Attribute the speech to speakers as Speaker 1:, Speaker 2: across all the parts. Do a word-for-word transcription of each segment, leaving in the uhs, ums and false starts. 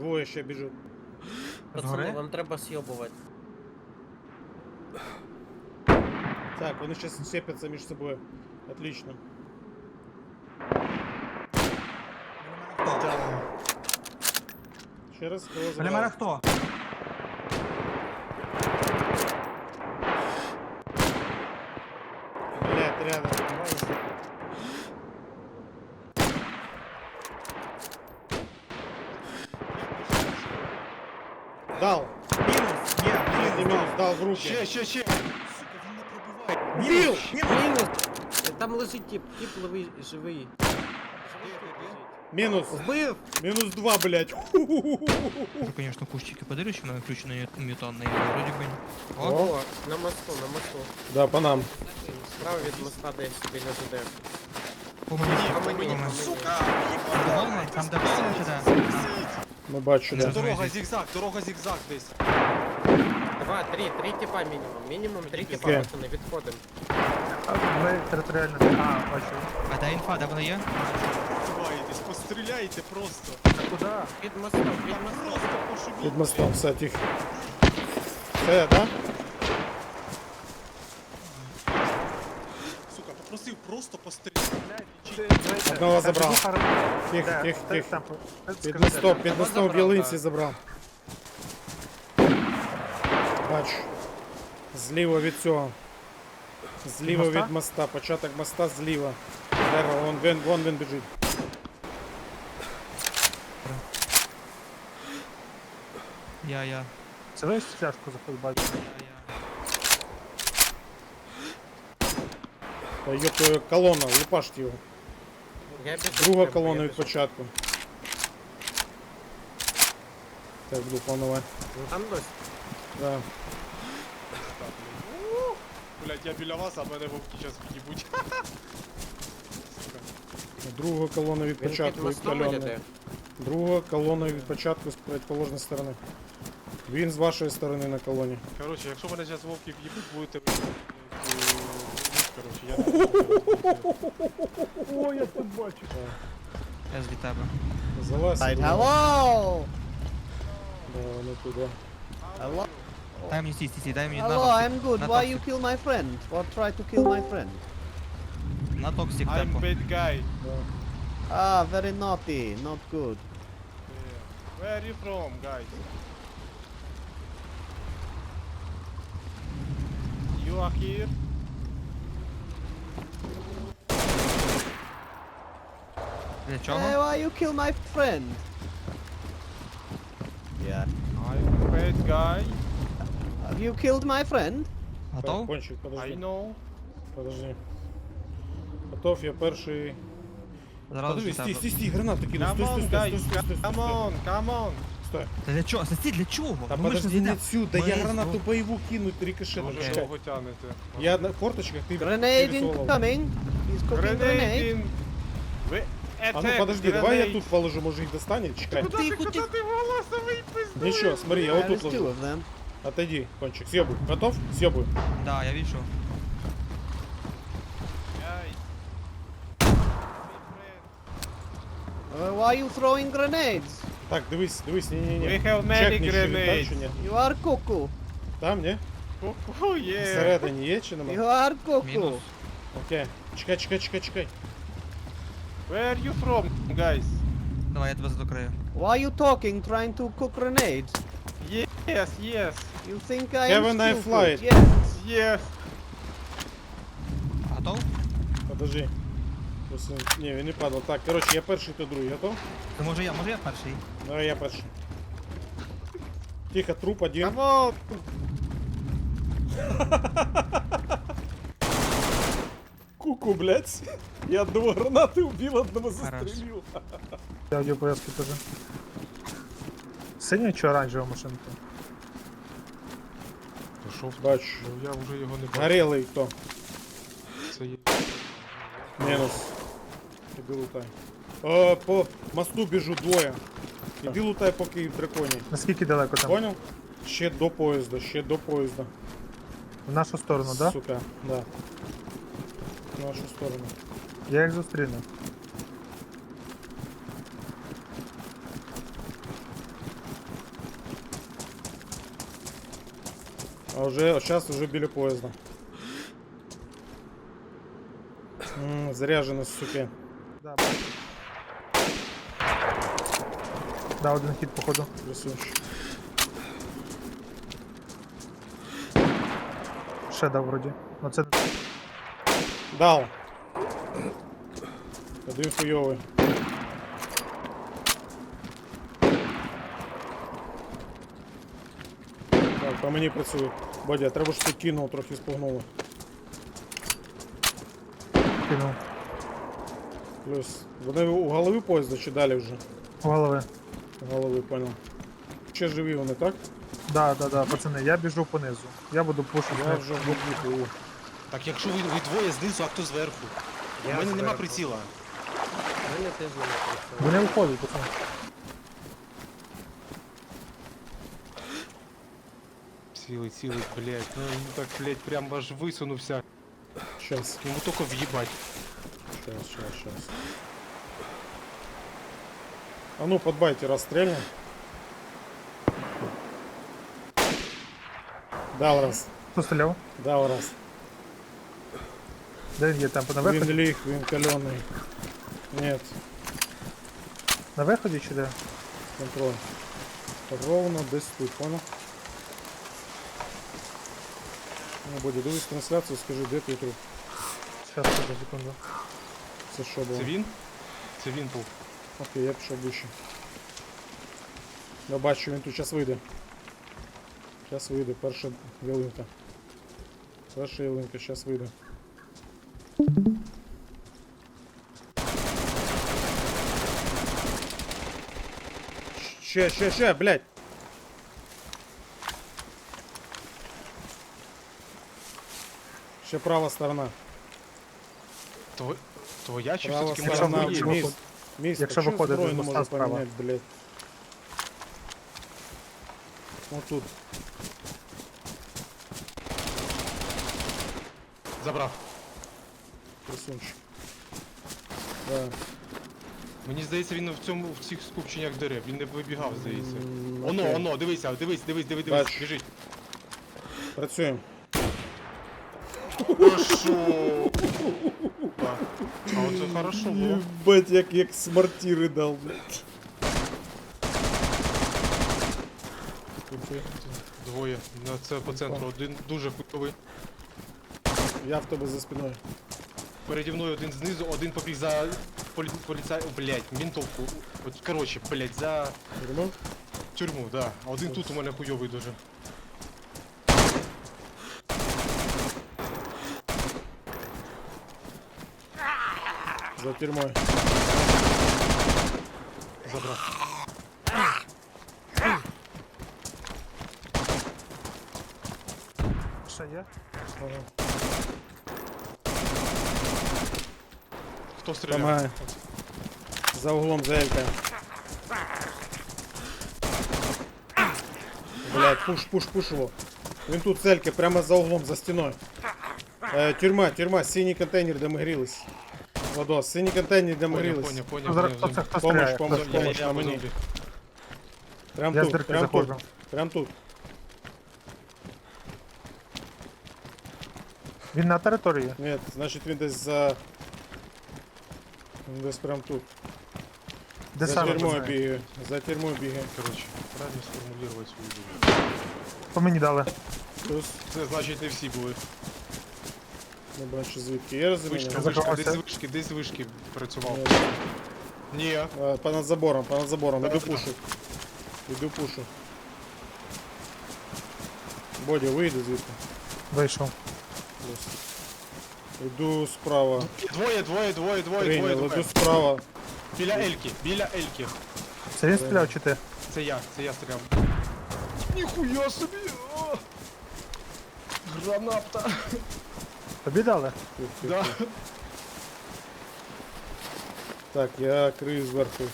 Speaker 1: Двоє ще біжуть.
Speaker 2: Пацани, вам треба с'єбувати.
Speaker 1: Так, вони зараз сцепляться між собою. Отлично. Ще раз, кого
Speaker 3: Біля мене
Speaker 1: забрав?
Speaker 3: хто?
Speaker 1: Блядь, рядом. Дал.
Speaker 3: Мінус! Є!
Speaker 1: Третій мінус, дал в руки.
Speaker 4: Ще, ще, ще. Сука, він не пробиває.
Speaker 1: Убил!
Speaker 2: Мінус! Там лежить тип, тип ловий, живий.
Speaker 1: Мінус.
Speaker 2: Вбив!
Speaker 1: Мінус два, блядь.
Speaker 5: Уже, конечно, кустики подарили, что на включенные мютанные, вроде бы. О,
Speaker 2: О, на мосту, на мосту.
Speaker 1: Да, по нам.
Speaker 2: Справа від моста десь біля ЖД.
Speaker 5: по мені,
Speaker 2: По
Speaker 5: по
Speaker 2: мені,
Speaker 5: мені.
Speaker 2: по мені.
Speaker 4: Сука,
Speaker 5: Головне, там де все чи де?
Speaker 1: Ми бачу,
Speaker 4: Це
Speaker 1: да.
Speaker 4: дорога зігзаг, дорога зігзаг десь.
Speaker 2: Два, три, три типа мінімум. Мінімум три типа,
Speaker 1: Окей.
Speaker 2: пацани, відходимо.
Speaker 3: Ми територіально. А, бачу.
Speaker 5: А де інфа, де вона є?
Speaker 4: Ховаєтесь, постріляйте просто.
Speaker 3: А куди?
Speaker 2: Під мостом, під мостом.
Speaker 4: Просто пошибіть.
Speaker 1: Під мостом, все, тихо. Все, да?
Speaker 4: Сука, попросив просто постріляти.
Speaker 1: Одного забрав. Тихо,
Speaker 3: Де?
Speaker 1: тихо,
Speaker 3: Де
Speaker 1: тихо.
Speaker 3: там?
Speaker 1: Під
Speaker 3: Скажи,
Speaker 1: мостом,
Speaker 3: де?
Speaker 1: під мостом в
Speaker 2: забрав,
Speaker 1: ялинці
Speaker 2: так.
Speaker 1: забрав. Бачу. Зліва від цього. Зліва
Speaker 3: моста?
Speaker 1: від моста, початок моста зліва. Дерево, вон він, вон він біжить.
Speaker 5: Я, я.
Speaker 3: Це ви стяжку заходить?
Speaker 1: Та ёб твою колона, лупаште його.
Speaker 2: Я біжу.
Speaker 1: Друга
Speaker 2: прямо,
Speaker 1: колона
Speaker 2: я
Speaker 1: від
Speaker 2: біжу.
Speaker 1: початку. Так, буду планувати.
Speaker 2: Ну там дось.
Speaker 1: Да.
Speaker 4: Блять, я біля вас, а мене вовки зараз в'їбуть.
Speaker 1: Друга колона від
Speaker 2: Він під
Speaker 1: початку від
Speaker 2: мостом
Speaker 1: кольони.
Speaker 2: йде.
Speaker 1: Друга колона від початку з противоположної сторони. Він з вашої сторони на колоні.
Speaker 4: Коротше, якщо мене зараз вовки в'їбуть, будете... е, Коротше, я не знаю.
Speaker 1: О, я тут бачу.
Speaker 5: Я з тебе.
Speaker 1: Залазь.
Speaker 6: Right,
Speaker 1: сюди.
Speaker 6: hello!
Speaker 1: Да, вони туди.
Speaker 6: Hello,
Speaker 5: Дай мені стій, стій, стій, дай мені
Speaker 6: hello,
Speaker 5: на
Speaker 6: I'm good.
Speaker 5: на
Speaker 6: Why
Speaker 5: токсик.
Speaker 6: you kill my friend? Or try to kill my friend?
Speaker 5: На токсик
Speaker 4: I'm
Speaker 5: темпо.
Speaker 4: bad guy.
Speaker 6: Ah, very naughty, not good.
Speaker 4: Yeah. Where are you from, guys? You are here?
Speaker 5: Для
Speaker 6: Hey,
Speaker 5: чого?
Speaker 6: why you kill my friend? Yeah.
Speaker 4: I'm bad guy.
Speaker 6: Have you killed my friend?
Speaker 5: Готов?
Speaker 1: Кончик,
Speaker 4: I
Speaker 1: подожди.
Speaker 4: know.
Speaker 1: Подожди. Готов, я перший.
Speaker 5: Зразу
Speaker 1: Подожди,
Speaker 5: з
Speaker 1: стій,
Speaker 5: тебе.
Speaker 1: стій, стій, гранати кину.
Speaker 4: Come
Speaker 1: Стой, стой,
Speaker 4: on,
Speaker 1: стой,
Speaker 4: guys.
Speaker 1: стой, стой, стой,
Speaker 4: Come
Speaker 1: стой.
Speaker 4: on, come on.
Speaker 1: Стой.
Speaker 5: Та для чого? Стій, для чого?
Speaker 1: Та
Speaker 5: Ну, ми ж
Speaker 1: подожди, не
Speaker 5: зайдемо.
Speaker 1: отсюда,
Speaker 5: Ми
Speaker 1: я
Speaker 5: з
Speaker 1: гранату
Speaker 5: двох-
Speaker 1: боеву кину, рикошетом.
Speaker 4: Дуже
Speaker 5: Окей.
Speaker 4: довго тянете.
Speaker 1: Я на форточках, ты
Speaker 6: Grenade
Speaker 1: пересовывал.
Speaker 6: incoming. He's cooking grenade.
Speaker 4: Grenade in... Ви...
Speaker 1: А ну подожди, давай я тут положу, може їх достанет, чекай.
Speaker 4: Куда ти, куда ти волосовий пиздец?
Speaker 1: Ничего, смотри, я вот
Speaker 6: There
Speaker 1: тут
Speaker 6: is two
Speaker 1: ложу.
Speaker 6: of them.
Speaker 1: Отойди, кончик, съебуй. Готов? Съебуй.
Speaker 5: Да, я вижу.
Speaker 6: Uh, why you throwing grenades?
Speaker 1: Так, дивись, дивись, ні-ні-ні.
Speaker 4: We have many
Speaker 1: Чекни, чи він там,
Speaker 4: grenades.
Speaker 1: чи ні.
Speaker 6: You are cuckoo.
Speaker 1: Там, ні?
Speaker 4: Ку-ку, є.
Speaker 1: Всередині є чи
Speaker 6: You
Speaker 1: нема?
Speaker 6: are cuckoo.
Speaker 5: Мінус.
Speaker 1: Окей. Чекай, чекай, чекай, чекай.
Speaker 4: Where are you from, guys?
Speaker 5: Давай, я тебе задокрию.
Speaker 6: Why you talking, trying to cook grenades?
Speaker 4: Yes, yes,
Speaker 6: You think I am
Speaker 1: Haven't I
Speaker 6: stupid?
Speaker 1: flied?
Speaker 6: Yes.
Speaker 4: yes.
Speaker 5: Готов?
Speaker 1: Подожди. Ось він- Ні, він не падав. Так, коротше, я перший, то другий. Готов?
Speaker 5: То може я, може я перший?
Speaker 1: Давай я перший. Тихо, труп один.
Speaker 4: Come on.
Speaker 1: Куку, блядь. Я одного гранаты убил, одного
Speaker 5: Хорош.
Speaker 1: застрелил.
Speaker 3: Я аудіопоязки теж. Синя чи оранжева машинка?
Speaker 4: Пішов,
Speaker 1: Бачу.
Speaker 4: я вже його не бачу.
Speaker 1: Горелый кто?
Speaker 4: Це є.
Speaker 1: Минус. Иди лутай. О, по мосту біжу двоє. Іди лутай поки в драконі.
Speaker 3: Наскільки далеко там?
Speaker 1: Понял? Ще до поїзда, ще до поїзда.
Speaker 3: В нашу сторону, так? Да?
Speaker 1: Сука, да. В нашу сторону.
Speaker 3: Я їх зустріну.
Speaker 1: А вже, зараз вже біля поїзда. М, заряжено, суки.
Speaker 3: Да, бачу. Да, один хід, походу.
Speaker 1: Красунчик.
Speaker 3: Ще дав вроді. Ну це
Speaker 1: Дал. Один хуйовий. Так, по мені працює. Бодя, треба ж ти кинув, трохи спугнуло.
Speaker 3: кинув.
Speaker 1: Плюс. Вони у голови поїзда чи далі вже?
Speaker 3: У голови.
Speaker 1: У голови, понял. Ще живі вони, так?
Speaker 3: Да, да, да, пацани, я біжу понизу. Я буду пушити.
Speaker 1: Я вже в боку.
Speaker 7: Так якщо ви, ви двоє знизу, а хто зверху?
Speaker 2: Я
Speaker 7: У мене нема
Speaker 2: зверху.
Speaker 7: приціла.
Speaker 2: У мене теж немає прицілу.
Speaker 3: Вони виходять, пацани.
Speaker 4: Цілий, цілий, блядь. Ну він так, блядь, прям аж висунувся.
Speaker 1: Щас,
Speaker 7: Йому тільки в'їбать.
Speaker 1: щас, щас, щас. А ну, подбайте, расстрельно. Дал раз,
Speaker 3: Хто стріляв?
Speaker 1: дал раз.
Speaker 3: Де він є? Там на
Speaker 1: Він
Speaker 3: виході?
Speaker 1: лих, він каленый. Нет,
Speaker 3: На виході чи де?
Speaker 1: контроль. Ровно десь тут, понял? Ну, Боді, дивись трансляцію, скажи, де твій труп?
Speaker 3: Зараз, подожди, секунду.
Speaker 1: Це що було?
Speaker 4: Це він? Це він був.
Speaker 1: Окей, я пішов вище. Я бачу, він тут зараз вийде. Зараз вийде, перша ялинка. Перша ялинка, зараз вийде. Ще, ще, ще, блядь! Ще права сторона.
Speaker 4: Тво... Твоя чи
Speaker 1: Права
Speaker 4: все-таки
Speaker 3: Якщо
Speaker 1: сторона,
Speaker 3: ви- якщо
Speaker 4: моя?
Speaker 3: ви-
Speaker 1: міст. Міст,
Speaker 3: якщо
Speaker 1: а чого
Speaker 3: виходити
Speaker 1: зброю
Speaker 3: з
Speaker 1: не
Speaker 3: моста
Speaker 1: можу
Speaker 3: справа?
Speaker 1: поміняти, блядь? Вот тут.
Speaker 4: Забрав.
Speaker 1: Красунчик. Да.
Speaker 4: Мені здається, він в цьому в цих скупченнях дерев. Він не вибігав, здається.
Speaker 1: М,
Speaker 4: Оно,
Speaker 1: окей.
Speaker 4: оно, дивися, дивись, дивись, дивись, дивись,
Speaker 1: Бачу.
Speaker 4: біжить.
Speaker 1: Працюємо.
Speaker 4: Хорошо. Да. А оце хорошо було.
Speaker 1: Ебать, як, як смартіри дал, блядь.
Speaker 4: Двоє. На це по центру. Один дуже хуйовий.
Speaker 1: Я в тебе за спиною.
Speaker 4: Переді мною один знизу, один побіг за полі... поліцай... О, блядь, ментовку. От, коротше, блядь, за
Speaker 1: Тюрму?
Speaker 4: тюрму, да. А один тут у мене хуйовий дуже.
Speaker 1: За тюрмою.
Speaker 4: Забрав.
Speaker 3: Ще є?
Speaker 1: Ага.
Speaker 4: Хто стріляв?
Speaker 1: Помагай. За углом, за Елькой. Блядь, пуш, пуш, пуш его. Він тут з Елькой, прямо за углом, за стіною. Е, тюрма, тюрма, синій контейнер, де ми грілись. Владос, синій контейнер, де ми
Speaker 4: Поняв,
Speaker 1: грілись.
Speaker 4: поняв, поняв,
Speaker 3: Хто зараз-
Speaker 4: поняв.
Speaker 3: хто це? Хто
Speaker 1: Помощь,
Speaker 3: стріляє?
Speaker 1: помощь,
Speaker 3: Хто стріляє?
Speaker 1: помощь на мені. Прям
Speaker 3: Я з
Speaker 1: тут,
Speaker 3: дирки
Speaker 1: прям тут,
Speaker 3: заходжу.
Speaker 1: прям тут.
Speaker 3: Він на території.
Speaker 1: Ні, значить він десь за... Він десь прям тут.
Speaker 3: Де
Speaker 1: За
Speaker 3: саме?
Speaker 1: тюрмою
Speaker 3: пацани?
Speaker 1: бігає. За тюрмою бігає.
Speaker 4: Коротше, правильно сформулювати свою думку.
Speaker 3: По мені дали.
Speaker 1: Плюс,
Speaker 4: Це значить не всі були.
Speaker 1: не бачу звідки. Я розумію.
Speaker 4: Вишка,
Speaker 1: не?
Speaker 3: Закривався.
Speaker 4: вишка, десь вишки, десь вишки працював.
Speaker 1: Ні,
Speaker 4: Ні.
Speaker 1: а, Понад забором, понад забором. Іду
Speaker 4: Да-да-да.
Speaker 1: пушу. Іду пушу. Бодя, вийди звідти.
Speaker 3: Вийшов.
Speaker 1: Плюс. Іду справа.
Speaker 4: Двоє, двоє, двоє, двоє, двоє,
Speaker 1: Прийняв,
Speaker 4: двоє.
Speaker 1: іду справа.
Speaker 4: Біля Ельки, біля Ельки.
Speaker 3: Це він стріляв чи ти?
Speaker 4: Це я, це я стріляв. Ніхуя собі! О! Граната!
Speaker 3: Тобі дали?
Speaker 1: Тих, тих,
Speaker 4: Да.
Speaker 1: тих. Так, я крию зверху.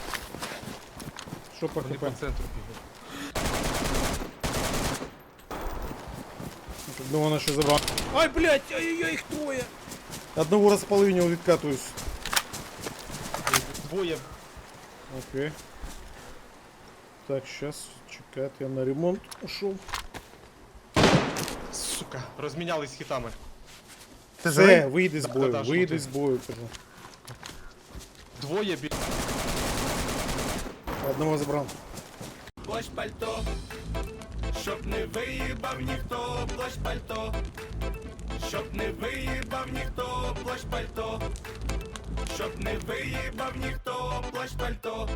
Speaker 1: Що по
Speaker 4: Вони
Speaker 1: хп?
Speaker 4: по центру бігають.
Speaker 1: Одного вона ще забрав. Ай, блядь, ай-яй, їх троє. Одного розполовиню відкатуюсь.
Speaker 4: Двоє.
Speaker 1: Окей. Так, сейчас чекать, я на ремонт ушел.
Speaker 4: сука. Розмінялись хітами.
Speaker 3: Ти живий?
Speaker 1: Все, вийди з
Speaker 4: Да,
Speaker 1: бою,
Speaker 4: да, да,
Speaker 1: вийди
Speaker 4: що
Speaker 1: з
Speaker 4: ти?
Speaker 1: бою, кажу.
Speaker 4: Двоє бі...
Speaker 1: Одного забрав.
Speaker 8: Плащ пальто, щоб не виїбав ніхто, плащ пальто, щоб не виїбав ніхто, плащ пальто, щоб не виїбав ніхто, плащ пальто,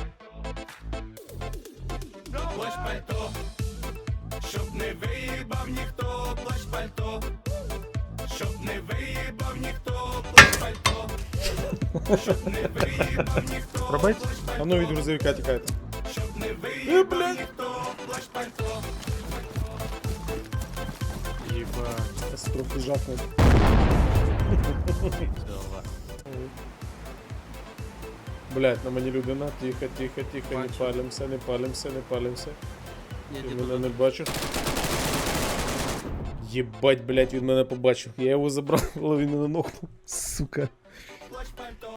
Speaker 8: плащ пальто, щоб не виїбав ніхто, плащ пальто, щоб не виїбав ніхто, плащ пальто, щоб не виїбав ніхто,
Speaker 3: Пробить?
Speaker 1: А ну від грузовика тікайте.
Speaker 8: щоб не виїбав ніхто, плащ пальто.
Speaker 4: Єбать.
Speaker 1: Ось трохи жахнув. Блять, на мені людина. Тихо, тихо, тихо, не
Speaker 2: Бачу.
Speaker 1: палимося, не палимося, не палимося.
Speaker 2: Я
Speaker 1: Він
Speaker 2: тебе
Speaker 1: мене не бачив. Єбать, блять, він мене побачив. Я його забрав, але він мене нокнув. Сука.